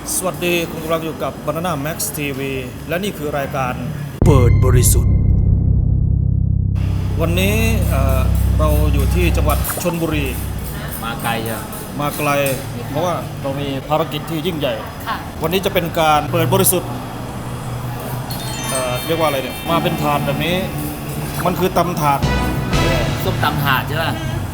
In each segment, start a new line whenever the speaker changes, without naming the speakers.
สวัสดีคุณกำลังอยู่กับ Banana Max TV และนี่คือรายการเปิดบริสุทธิ์วันนี้เราอยู่ที่จังหวัดชลบุรี
มาไกลจ้ะ
มาไกลเพราะว่าเรามีภารกิจที่ยิ่งใหญ่วันนี้จะเป็นการเปิดบริสุทธิ์เรียกว่าอะไรเนี่ยมาเป็นถาดแบบนี้มันคือตำถาด
ส้มตำถาดใช่ป่ะ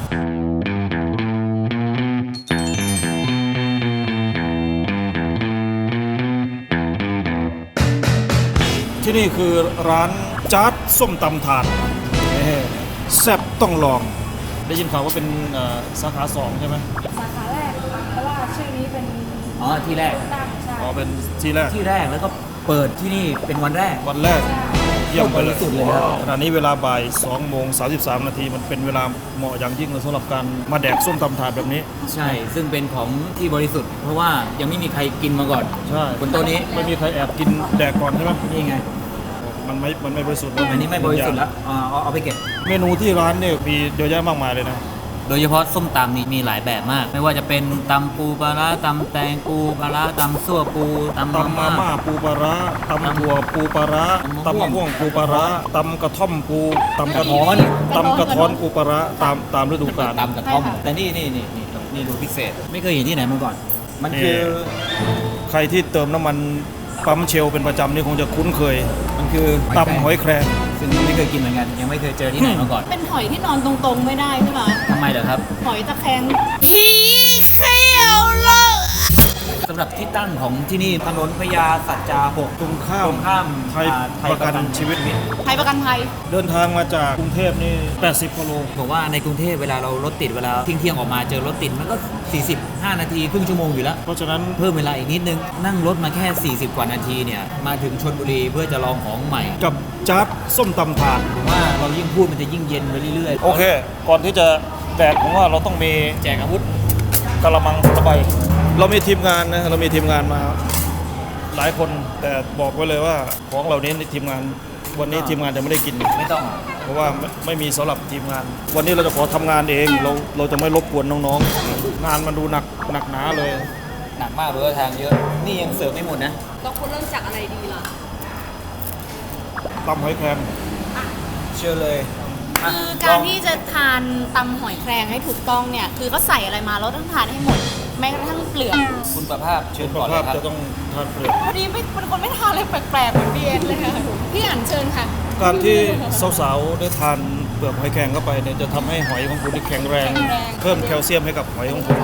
ที่นี่คือร้านจ๊าดส้มตำถาดแซ่บต้องลองได้ยินข่าวว่าเป็นสาขา2ใช่ไหม
สาขาแรกเพราะว่าชื่อนี้เป็น
ที่แรก
เป็นที่แรก
แล้วก็เปิดที่นี่เป็นวันแรก
เยี่ยมไปเลย
สุดเลยครับ
ขณะนี้เวลาบ่าย2:33 นาทีมันเป็นเวลาเหมาะอย่างยิ่งเลยสำหรับการมาแดกส้มตำถาดแบบนี้
ใช่ซึ่งเป็นของที่บริสุทธิ์เพราะว่ายังไม่มีใครกินมาก่อน
ใช่
บนโต๊ะนี้
ไม่มีใครแอบกินแดกก่อนใช่ไหม
นี่ไง
มันไม่บริสุทธิ์
อันนี้ไม่บริสุทธิ์แล้วเอาไปเก็บ
เมนูที่ร้านเนี่ยมีเยอะแยะมากมายเลยนะ
โดยเฉพาะส้มตำนี่มีหลายแบบมากไม่ว่าจะเป็นตำปูปลาร้าตำแตงปูปลาร้าตำซั่วปู
ตำมาม่าปูปลาร้าตำถั่วปูปลาร้าตำมะม่วงปูปลาร้าตำกระท่อมปูตำกระท้อนปูปลาร้าตามฤดูกาล
ตำกระท่อมแต่นี่ดูพิเศษไม่เคยเห็นที่ไหนมาก่อนมันคือ
ใครที่เติมน้ำมันปั๊มเชลเป็นประจำนี่คงจะคุ้นเคยมันคือตำหอยแครง
ซึ่งไม่เคยกินเหมือนกันยังไม่เคยเจอที่ไหนมาก่อน
เป็นหอยที่นอนตรงๆไม่ได้ใช่ไหม
ทำไมเหรอครับ
หอยตะแคงขี้เขี้ยวเลย
สำหรับที่ตั้งของที่นี่ถนนพญาสัจจา6
ตรงข้ามไทยประกันชีวิต
ไทยประกันภัย
เดินทางมาจากกรุงเทพนี่80 กิโล
บอกว่าในกรุงเทพเวลาเรารถติดเวลาเที่ยงออกมาเจอรถติดมันก็45 นาทีครึ่งชั่วโมงอยู่แล้ว
เพราะฉะนั้น
เพิ่มเวลาอีกนิดนึงนั่งรถมาแค่40 กว่านาทีเนี่ยมาถึงชลบุรีเพื่อจะลองของใหม่
กับจ๊าดส้มตำถาด
ว่าเรายิ่งพูดมันจะยิ่งเย็นไปเรื่อยๆ
โอเคก่อนที่จะแดกผมว่าเราต้องมี
แจกอาวุธ
กะละมังตะไบเรามีทีมงานนะเรามีทีมงานมาหลายคนแต่บอกไว้เลยว่าของเหล่านี้ในทีมงานวันนี้ทีมงานจะไม่ได้กิน
ไม่ต้อง
เพราะว่าไม่มีสำหรับทีมงานวันนี้เราจะขอทำงานเองเราจะไม่รบกวนน้องๆงานมันดูหนักหนาเลย
หนักมากเลยทางเยอะนี่ยังเสิร์ฟไม่หมดนะ
เราควรเริ่มจากอะไรดีล่ะ
ตำหอยแครง
เชื่อเลย
คือการที่จะทานตำหอยแครงให้ถูกต้องเนี่ยคือก็ใส่อะไรมาเราต้องทานให้หมดแม้กระทั่งเปลือก
คุณประภาพเชิญก่อน
เลยครับจะต้องทานเปลือก
วันนี้เป็นคนไม่ทานอะไรแปลกๆเหมือนพี่เอ็นเลยค่ะพี่อ่านเชิญค่ะ
การที่สาวๆได้ทานเปลือกหอยแครงเข้าไปเนี่ยจะทำให้หอยของคุณแข็งแรงเพิ่มแคลเซียมให้กับหอยของคุณ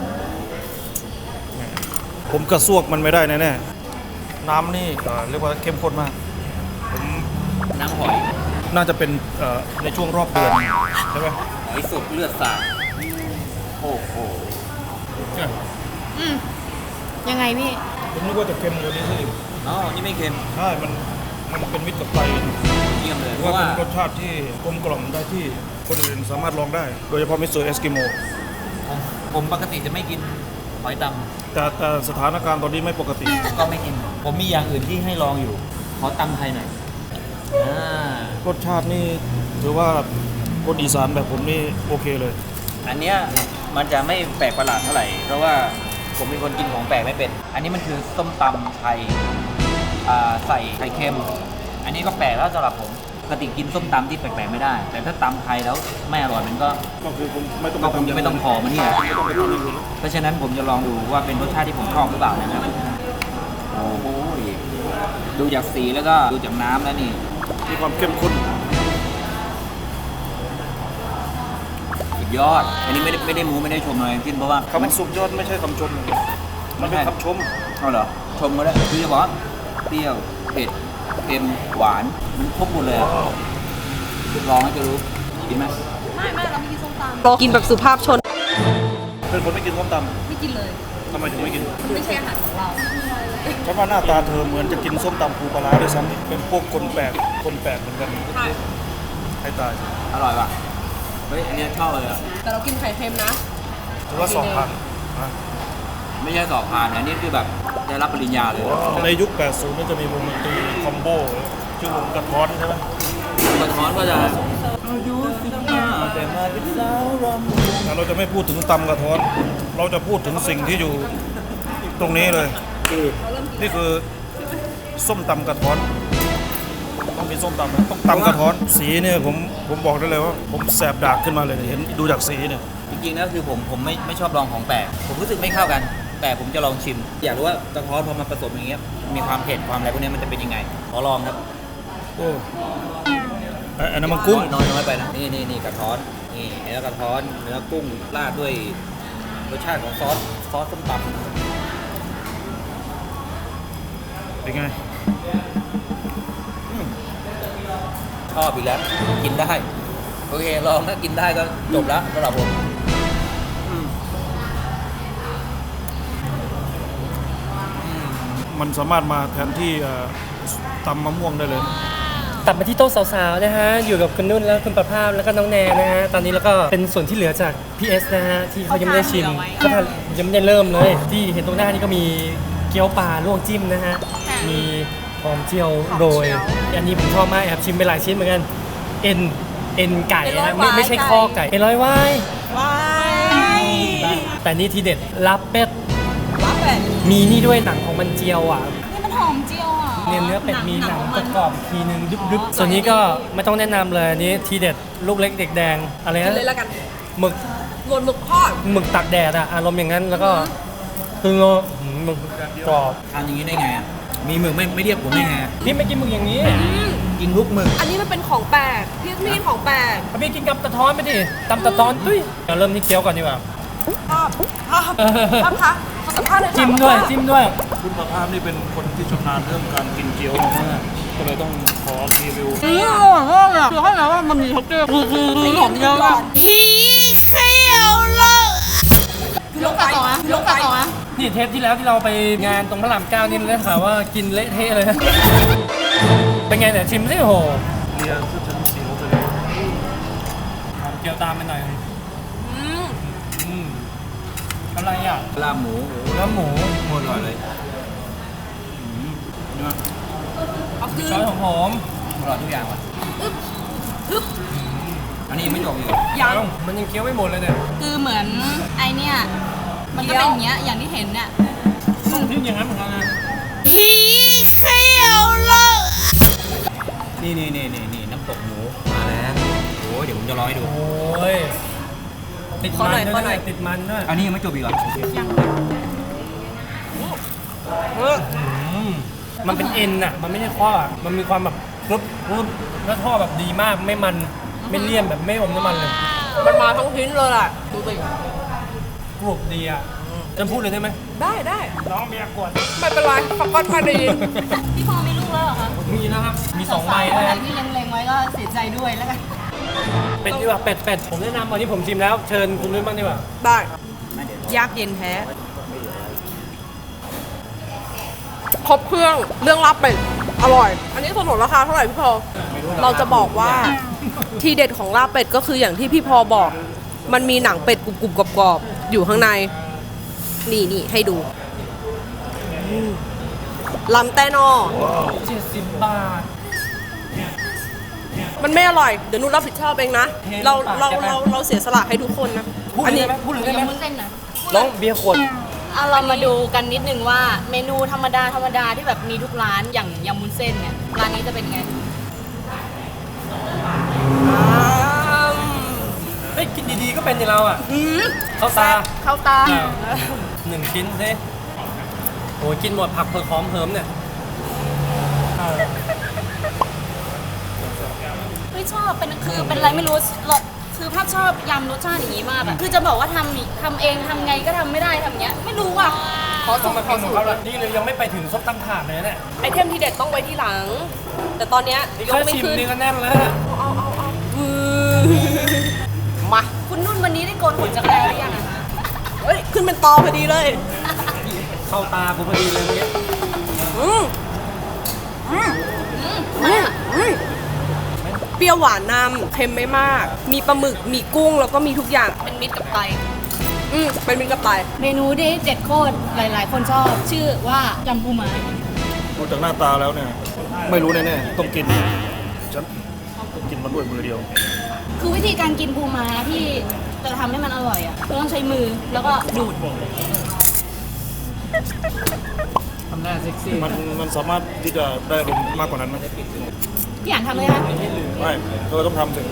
ผมกระซวกมันไม่ได้แน่ๆน้ำนี่เรียกว่าเข้มข้นมากผม
น้ำหอย
น่าจะเป็นในช่วงรอบเดือนใช่ไหม
หอยสดเลือดสาดโอ้โห
ยังไงพี่
ผมนึกว่าจะเค็มกว่านี้สิ
อ๋อนี่ไม่เค็ม
ใช่มันเป็นมิตรกับไต
เยี่ยมเลย
เพราะว่าเป็นรสชาติที่กลมกล่อมได้ที่คนอื่นสามารถลองได้โดยเฉพาะมิสเตอร์เอสกิโม
ผมปกติจะไม่กินหอยต
ำแต่สถานการณ์ตอนนี้ไม่ปกติ
ก็ไม่กินผมมีอย่างอื่นที่ให้ลองอยู่ขอตำไทยหน่อย
รสชาตินี่ถือว่าคนอีสานแบบผมนี่โอเคเลย
อันเนี้ยมันจะไม่แปลกประหลาดเท่าไหร่เพราะว่าผมเป็นคนกินของแปลกไม่เป็นอันนี้มันคือส้มตำไทยใส่ไข่เค็มอันนี้ก็แปลกแล้วสำหรับผมปกติกินส้มตำที่แปลกๆไม่ได้แต่ถ้าตำไทยแล้วไม่อร่อยมันก็
คือผมไม่ต้อง
จะไม่ต้องขอมันนี่เพราะฉะนั้นผมจะลองดูว่าเป็นรสชาติที่ผมชอบหรือเปล่านะครับโอ้โหดูจากสีแล้วก็ดูจากน้ำแล้วนี่
มีความเข้มข้น
สุดยอดอันนี้ไม่ได้มูไม่ได้ชมอะไรขึ้นเพราะว่า
คำสุดยอดไม่ใช่คำชมมันเป็นคำชม
เอาเหรอชมก็ได้คือจะบอกเปรี้ยวเผ็ดเค็มหวานมันครบหมดเลยลองให้จะรู้กินไหม
ไม่เราไม่กินส้มตำกินแบบสุภาพชน
เป็นคนไม่กินส้มตำ
ไม่กินเลย
ทำไมถึงไม่กิน
ไม่ใช่อาหารของเรา
ฉันว่าหน้าตาเธอเหมือนจะกินส้มตำปูปลาร้าด้วยซ้ำเป็นพวกคนแปลกเหมือนกันให้ตาย
อร่อยป่ะเฮ้ยอันนี้ชอบเลย
แต่เรากินไข่เค็มนะ
ถือว่า2,000
ไม่ใช่2,000อันนี้คือแบบได้รับปริญญาเลย
ในยุค80นี่จะมีวงดนตรีคอมโบชื่อวงกระท้อนใช่ไหม
กระท้อนก็จะอายุ15แต่มาเป็นสาวรำ
เราจะไม่พูดถึงตำกระท้อนเราจะพูดถึงสิ่งที่อยู่ตรงนี้เลยนี่คือส้มตำกระท้อนต้องมีส้มตำนะต้องตำกระท้อนสีเนี่ยผมบอกได้เลยว่าผมแสบดากขึ้นมาเลยเห็นดูจากสีเนี่ย
จริงๆแล้วคือผมไม่ชอบลองของแปลกผมรู้สึกไม่เข้ากัน แต่ผมจะลองชิม อยากรู้ว่ากระท้อนพอมาผสมอย่างเงี้ยมีความเผ็ดความอะไรพวกนี้มันจะเป็นยังไงขอลองครับ
โอ้อันนั้นมันกุ้ง
น้อยไปนะนี่กระท้อนนี่เนื้อกระท้อนเนื้อกุ้งราดด้วยรสชาติของซอสส้มตำ
เป็นไง
ชอบอีกแล้วกินได้โอเคลองถ้ากินได้ก็จบแล้วสำหรับผม
มันสามารถมาแทนที่ตำมะม่วงได้เลย
ตัดมาที่โต๊ะสาวๆนะฮะอยู่กับคุณนุ่นแล้วคุณประภาพแล้วก็น้องแนนนะฮะตอนนี้แล้วก็เป็นส่วนที่เหลือจาก PS นะฮะที่เขายังไม่ได้ชิมก็ยังไม่ได้เริ่มเลย ที่เห็นตรงหน้านี่ก็มีเกี๊ยวปลาลวกจิ้มนะฮะมีหอมเจียวโรยอันนี้ผมชอบมากแอบชิมไปหลายชิ้นเหมือนกันเอ็นไก่นะฮะไม่ใช่ข้อไก่เอ็นร้อยวายแต่นี่ทีเด็ดลาบเป็ดมีนี่ด้วยหนังของมันเจียวอ่ะ
นี่มันหอมเจียวอ่ะ
เนื้อเป็ดมีหนังกรอบๆทีนึงดึบๆส่วนนี้ก็ไม่ต้องแนะนำเลยอันนี้ทีเด็ดลูกเล็กเด็กแดงอะไรนะ
เลยละกัน
หมึก
รวนหมึกทอด
หมึกตักแดดอะอารมณ์อย่างนั้นแล้วก็คือหมึกกรอบ
ทานอย่างนี้ได้ไงอ่ะมีหมึกไม่เรียกผมได้ไงอะ
พี่ไม่กินหมึกอย่างนี้
กินทุกหมึก
อันนี้มันเป็นของแปลกพี่ไม่กินของแปลก
พี่กินกับตะท้อนไปดิตำตะท้อนตุ้ยเราเริ่มที่เคี้ยวก่อนดีกว่า
ชอบคะขอสัมภาษณ์หน่อยค่ะ
จิ้มด้วยจิ้มด้วย
คุณประภาพนี่เป็นคนที่ชำนาญเรื่องการกินเกี๊ยวมากๆก็เลยต้องขอรีวิว
อร่อยมากเลยคือให้แล้วว่ามันมีท็กเจอร์คือหอมเยอะอะ
ลงกระต่อนะลงกระต่อนะ
นี่เทปที่แล้วที่เราไปงานตรงพระราม 9นี่ได้ข่าวว่ากินเละเทะเลยนะเป็นไงเนี่ยชิมสิโห
เรียคือฉันเสียวไปเลย
เกี่ยวตามไปหน่อยอืมอะไรอ่ะ
ลาบหมู
เนื้อหมู
โคตรอร่อยเลย
เอาคื
ซ
น
อสหอม
อร่อยทุกอย่างว่ะอันนี้ยังไม่จบอีกเหรอ
ๆยังมันยังเคี้ยวไม่หมดเลยเนี่ย
คือเหมือนไอเนี่ยมันก็เป็นอย่างเงี้ยอย่างที่เห็นเนี่ย
ต้องทิ้งอย่างนั้นเหมือนกันนะ
นี่น้ำตกหมูมาแล้วโอ้ยเดี๋ยวผมจะร้อยดู
โอ้ยติดมันด้วยติดมันด้วย
อันนี้ยังไม่จบอีกเหรอ
มันเป็นเอ็นอ่ะมันไม่ใช่ข้ออะมันมีความแบบกรึบแล้วท่อแบบดีมากไม่มันไม่เลี่ยนแบบไม่อมน้ำมันเลย
มันมาทั้งชิ้นเลยแหละดูสิ
กรุบดีอ่ะจะพูดเลยได้ไหม
ได้
น้องเบียร์กวด
ไม่เป็นไรฟักก้อนพอดี
พี่พอมีลูกแล้วเหรอคะ
มีนะครับมี2ใบ
สาวๆ
นะ
ไหน
ครับ
ที่เล็งๆไว้ก็เสียใจด้วยแล้วกัน
เป็ดดีกว่าเป็ดผมแนะนำวันนี้ผมชิมแล้วเชิญคุณด้วยบ้างดีกว่า
ได้ยากเย็นแท้ครบเครื่องเรื่องรับเป็ดอร่อย อันนี้สนุนราคาเท่าไหร่พี่พอเราจะบอกว่าทีเด็ดของลาบเป็ดก็คืออย่างที่พี่พอบอก มันมีหนังเป็ดกรุบๆกรอบๆอยู่ข้างในนี่ให้ดูลำแต้นอ
70 บาท
มันไม่อร่อย เดี๋ยวนุชรับผิดชอบเองนะ เราเสียสละให้ทุกคนนะ
พูด
อัน
เลย
นี้
ได้ไหมพูดเลยได้
ยัง
ไหม
มุ้นเส้นนะ
น้องเบียร์ขวด
เอาเรามาดูกันนิดนึงว่าเมนูธรรมดาที่แบบมีทุกร้านอย่างยำมุ้นเส้นเนี่ยร้านนี้จะเป็นไง
เฮ้ยกินดีๆก็เป็นในเราอ่ะเข้าตา
เข้าตา
1 ชิ้นสิโอ้ยกินหมดผักเผือกหอมเหิมเนี่ย
ไม่ชอบเป็นอะไรไม่รู้คือภาพชอบยำรสชาติอย่างนี้มากอะคือจะบอกว่าทำเองทำไงก็ทำไม่ได้ทำอย่างเงี้ยไม่รู้อ่ะขอสู
ต้อง
ต
มาร
ข
กิ
อน
ข
สู
อง
ต
เขา
ร
แล้วนี่เลยยังไม่ไปถึงซบตั้งถาดเลยเนี่ย
ไอเทมที่เด็ดต้องไว้ที่หลัง แต่ตอนเนี้ย
นี่
ยก
แค่
ไม่
ชิม
ขึ้น
นี่ก็แน่นแล้ว
มา
คุณนุ่นวันนี้ได้โกนขนจักรแร้หรือยังอะคะ
เฮ้ย ขึ้นเป็นตอพอดีเลย
เข้าตากูพอดีเลยเมื่อกี้
อืม
มา
เปรี้ยวหวานนำเค็มไม่มาก มีปลาหมึกมีกุ้งแล้วก็มีทุกอย่าง
เป็นมิตรกับไต
เป็นมิตรกับไต
เมนูที่เด็ดโคตรหลาย ๆ คนชอบ ชื่อว่ายำปูม้า
ดูจากหน้าตาแล้วเนี่ย ไม่รู้แน่ๆต้องกินฉันต้องกินมันด้วยมือเดียว
คือวิธีการกินปูม้าที่จะทำให้มันอร่อยอ่ะคือต้องใช้มือแล้วก็ดูด
น้าเซ็กซี่
มันสามารถที่จะได้ลมมากกว่านั้นไหม
พี่อ่านทำเลยคะ
ไม่เธอต้องทำสิ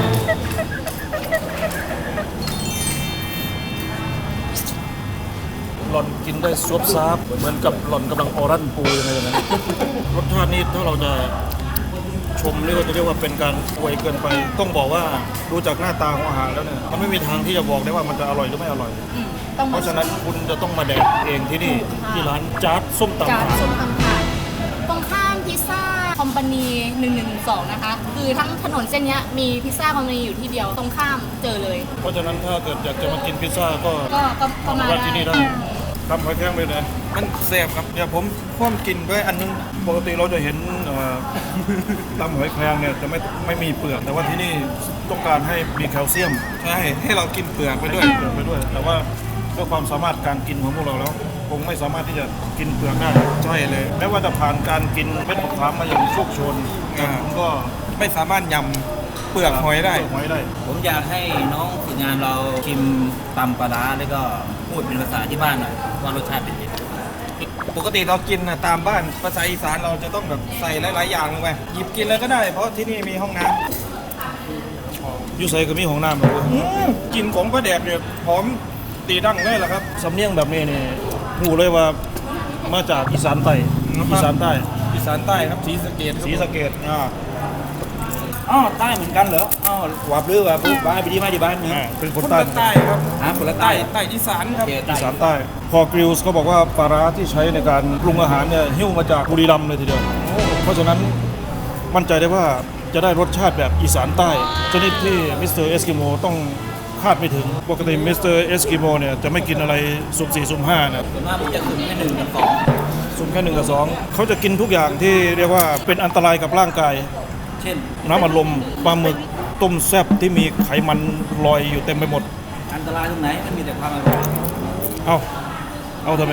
หล่อนกินได้ซวบซาบเหมือนกับหล่อนกำลังออรันปูยังไงอย่างนั้นรสชาตินี้ถ้าเราจะชมเรียกว่าจะเรียกว่าเป็นการอวยเกินไป ต้องบอกว่าดูจากหน้าตาของอาหารแล้วเนี่ยมันไม่มีทางที่จะบอกได้ว่ามันจะอร่อยหรือไม่อร่อย
ต้อง
เพ
มา
ราะฉะนั้นคุณจะต้องมาแดกเองที่นี่ที่ร้านจ๊าดส้มตำ
จาน
ถาด
ส้มตำถาดตรงข้ามพิซซ่าคอมพานี1112นะคะคือทั้งถนนเส้นเนี้ยมีพิซซ่าคอมพานีอยู่ที่เดียวตรงข้ามเจอเลย
เพราะฉะนั้นถ้าเกิดอยากจะมากินพิซซ่าก็
ก็มา
ว่าที่นี่ได้
ได้
ทำหอยแครงไปเลยมันแซ่บครับเนี่ยผมพ่วมกินด้วยอันนึงปกติเราจะเห็นตำหอยแครงเนี่ยจะไม่มีเปลือกแต่ว่าที่นี่ต้องการให้มีแคลเซียมใช่ให้เรากินเปลือกไปด้วยแต่ว่าด้วยความสามารถการกินของพวกเราแล้วคงไม่สามารถที่จะกินเปลือกได้ใช่เลยแม้ว่าจะผ่านการกินเม็ดมะขามมาอย่างโชคโชนผมก็ไม่สามารถยำเปลือกหอยได้
ผมอยากให้น้องฝึกงานเราชิมตำปลาร้าแล้วก็พูดเป็นภาษาที่บ้านหน่อยว่ารสชาติเป็นยังไง
ปกติเรากินนะตามบ้านภาษาอีสานเราจะต้องแบบใส่หลายๆอย่างลงไปหยิบกินเลยก็ได้เพราะที่นี่มีห้องน้ำอยู่ใส่ก็มีห้องน้ำแบบกินของปลาแดกเนี่ยหอมตีดั้งเลยแหละครับสำเนียงแบบนี้นี่หูเลยว่ามาจากอีสานใต้อีสานใต้ครับศรีสะเกษ
อ๋อใต้เหมือนกันเหรออ๋อหวับหรือว่าปุ๊บบ้านไปที่มาที่บ้านเนี่ย
เป็นคนใต้ครับ
คนละใต้
อีสานครับ
โอเค
อีสานใต้พอกริลส์เขาบอกว่าปลาร้าที่ใช้ในการปรุงอาหารเนี่ยหิ้วมาจากบุรีรัมย์เลยทีเดียวเพราะฉะนั้นมั่นใจได้ว่าจะได้รสชาติแบบอีสานใต้ชนิดที่มิสเตอร์เอสกิโมต้องคาดไม่ถึงปกติมิสเตอร์เอสกิโมเนี่ยจะไม่กินอะไรสุ่ม4สุ่ม5นะ
ส่วนมากผมจะสุ่มแค่1 กับ 2
สุ่มแค่1 กับ 2เขาจะกินทุกอย่างที่เรียกว่าเป็นอันตรายกับร่างกาย
เช่น
น้ำอัดลมปลาหมึกต้มแซ่บที่มีไขมันลอยอยู่เต็มไปหมด
อันตรายตรงไหนมันมีแต่ความอร่อย
เอาทำไม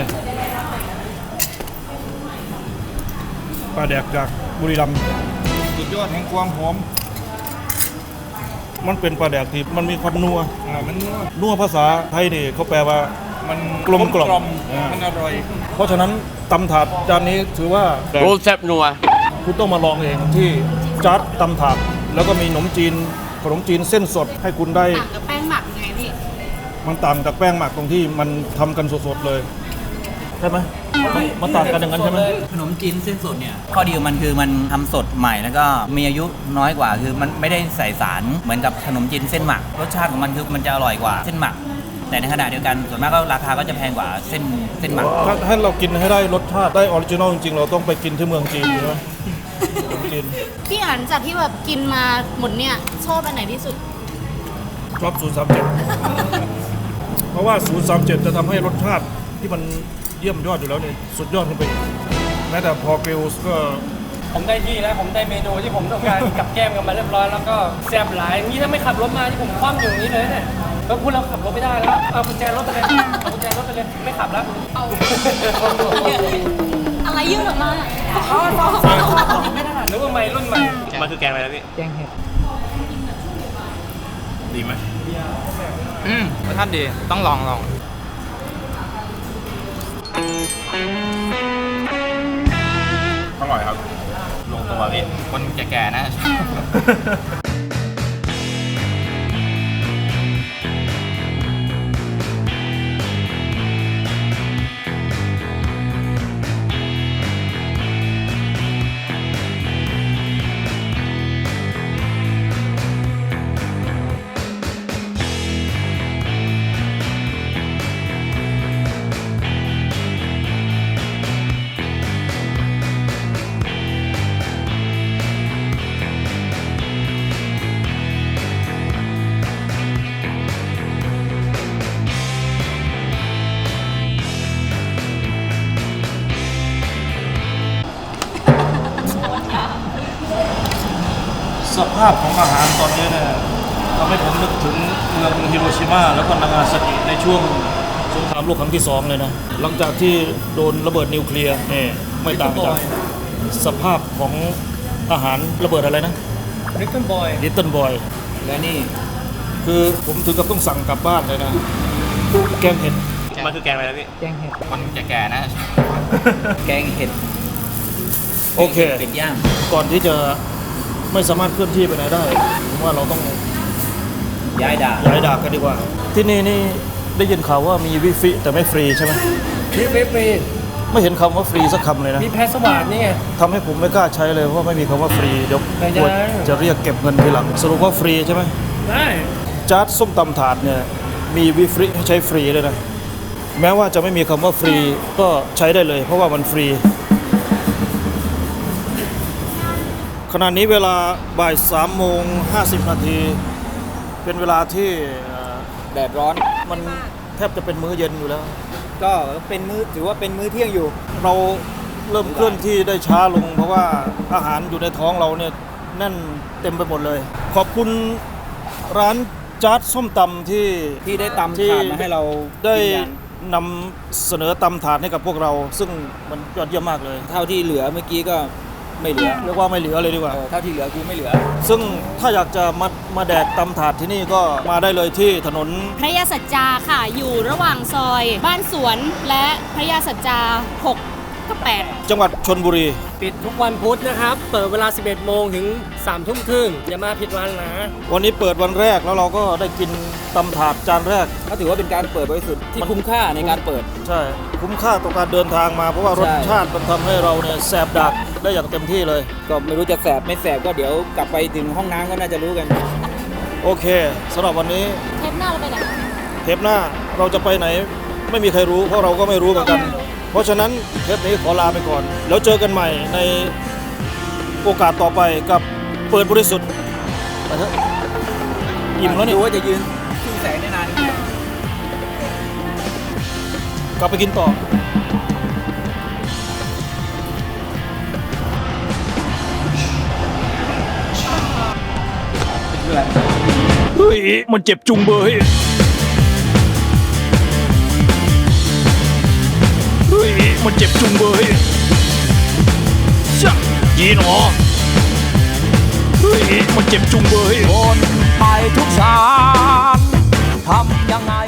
ปลาแดกจากบุรีรัมย์สุดยอดแห่งความหอมมันเป็นปลาแดกที่มันมีความนัวมันนัวภาษาไทยนี่เขาแปลว่ามันกลมกล่อมมันอร่อยเพราะฉะนั้นตำถาดจานนี้ถือว่า
รูปแซ่บนัว
คุณต้องมาลองเองที่จัดตำถาดแล้วก็มีขนมจีนเส้นสดให้คุณได้
ต่างกับแป้งหมักยังไงพี่
มันต่างจากแป้งหมักตรงที่มันทำกันสดๆเลยใช่ไหมมันต่างกันอย่างนั้นใช่ไหม
ขนมจีนเส้นสดเนี่ยข้อดีของมันคือมันทำสดใหม่แล้วก็มีอายุน้อยกว่าคือมันไม่ได้ใส่สารเหมือนกับขนมจีนเส้นหมักรสชาติของมันคือมันจะอร่อยกว่าเส้นหมัก แต่ในขณะเดียวกันส่วนมากก็ราคาก็จะแพงกว่าเส้นหมัก
ถ้าเรากินให้ได้รสชาติได้ออริจินอลจริงๆเราต้องไปกินที่เมืองจีนใช่ไหมจีน
พี่อ่านจากที่แบบกินมาหมดเนี่ยชอบอันไหนที่สุด
ชอบ037เพราะว่า037จะทำให้รสชาติที่มันเยี่ยมยอดอยู่แล้วเนี่ยสุดยอดขึ้นไปอีกแม้แต่พอเกลส์ก็
ผมได้ที่แล้วผมได้เมนูที่ผมต้องการ กับแก้มกันมาเรียบร้อยแล้วก็แซ่บหลายนี่ถ้าไม่ขับรถมาที่ผมคว่ำอยู่อย่างนี้เลยเนี่ยก็พูดเราขับรถไม่ได้แล้วเอากุญแจรถไปเลยเอากุญแจรถไปเลยไม่ขับแล้ว
อะไรยื่นออกมา
นึกว่าใหม่รุ่นใหม่
มันคือแกงอะไรนะพี่
แกงเห็ด
ดีไหม
รสชาติดี ต้องลอง
อร่อยครับ ลงตัวพี่
คนแก่ๆนะ
สภาพของอาหารตอนนี้เนี่ยทำให้ผมนึกถึงเมืองฮิโรชิมาแล้วก็นางาซากิในช่วงสงครามโลกครั้งที่2เลยนะหลังจากที่โดนระเบิดนิวเคลียร์เนี่ยไม่ต่างจากสภาพของอาหารระเบิดอะไรนะ
ริกเกิลบอย
ลิตเติ้ลบอย
และนี่
คือผมถึงกับต้องสั่งกลับบ้านเลยนะแกงเห็ด
แกงมันคือแกงอะไรนะพี่ แกงเห็ดคนแก่ๆนะ
แกงเห็ด
โอเค
เป็ดย่าง
ก่อนที่จะไม่สามารถเคลื่อนที่ไปไหนได้ผมว่าเราต้อง
ย้ายด่า
ย้ายดาบกันดีกว่า ที่นี่นี่ได้ยินข่าวว่ามีวิฟิแต่ไม่ฟรีใช่ไหม
มีฟรี
ไม่เห็นคำว่าฟรีสักคำเลยนะ
มีแพสวาดนี่ไง
ทำให้ผมไม่กล้าใช้เลยเพราะไม่มีคำว่าฟรีเดี๋ยว
ไม่ได้
กลัวจะเรียกเก็บเงินทีหลังสรุปว่าฟรีใช่ไหม
ได้
จาร์ดส้มตำถาดเนี่ยมีวิฟริให้ใช้ฟรีเลยนะแม้ว่าจะไม่มีคำว่าฟรีก็ใช้ได้เลย เพราะว่ามันฟรีขณะนี้เวลาบ่าย3:50 นาทีเป็นเวลาที่
แดดร้อน
มันแทบจะเป็นมื้อเย็นอยู่แล้ว
ก็เป็นมื้อถือว่าเป็นมื้อเที่ยงอยู่
เราเริ่มเคลื่อนที่ได้ช้าลง เพราะว่าอาหารอยู่ในท้องเราเนี่ยแน่นเต็มไปหมดเลย ขอบคุณร้านจาร์ดส้มตำที่
ได้ตำถาดมาให้เรา
ได้
กินกัน
นำเสนอตำถาดให้กับพวกเรา ซึ่งมันยอดเยี่ยมมากเลย
เท่าที่เหลือเมื่อกี้ก็ไม่เหลือ
เรียกว่าไม่เหลือเลยดีกว่า
เท่าที่เหลือกูไม่เหลือ
ซึ่งถ้าอยากจะมาแดกตำถาดที่นี่ก็มาได้เลยที่ถนน
พระยาสัจจาค่ะ อยู่ระหว่างซอย บ้านสวนและพระยาสัจจา6 กับ 8
จังหวัดชลบุรี
ปิดทุกวันพุธนะครับ เปิดเวลา 11 โมงถึง 3 ทุ่มครึ่งอย่ามาผิดวันนะ
วันนี้เปิดวันแรกแล้วเราก็ได้กินตำถาดจานแรก
ก็ถือว่าเป็นการเปิดบริสุทธิ์ที่คุ้มค่าในการเปิด
ใช่ คุ้มค่าต่อการเดินทางมาเพราะว่ารส
ใช่
ชาติมันทำให้เราเนี่ยแสบดักได้อย่างเต็มที่เลย
ก็ไม่รู้จะแสบไม่แสบก็เดี๋ยวกลับไปถึงห้องน้ำก็น่าจะรู้กัน
โอเคสำหรับวันนี้
เทปหน้าเราไปไหน
เทปหน้าเราจะไปไหนไม่มีใครรู้เพราะเราก็ไม่รู้เหมือนกัน เพราะฉะนั้นเทปนี้ขอลาไปก่อน แล้วเจอกันใหม่ในโอกาสต่อไปกับเปิดบริสุทธิ์ไปเถอะอิ่มแล้วนี่
ดูว่าจะยืนขึ้นแสงได้นาน
กลับไปกินต่อ
เพื่อน
เฮ้ยมันเจ็บจุงเบยเฮ้ยมันเจ็บจุงเบยช่างยีหนอเฮ้ยมันเจ็บจุงเบย
คนไปทุกชาติทำยังไง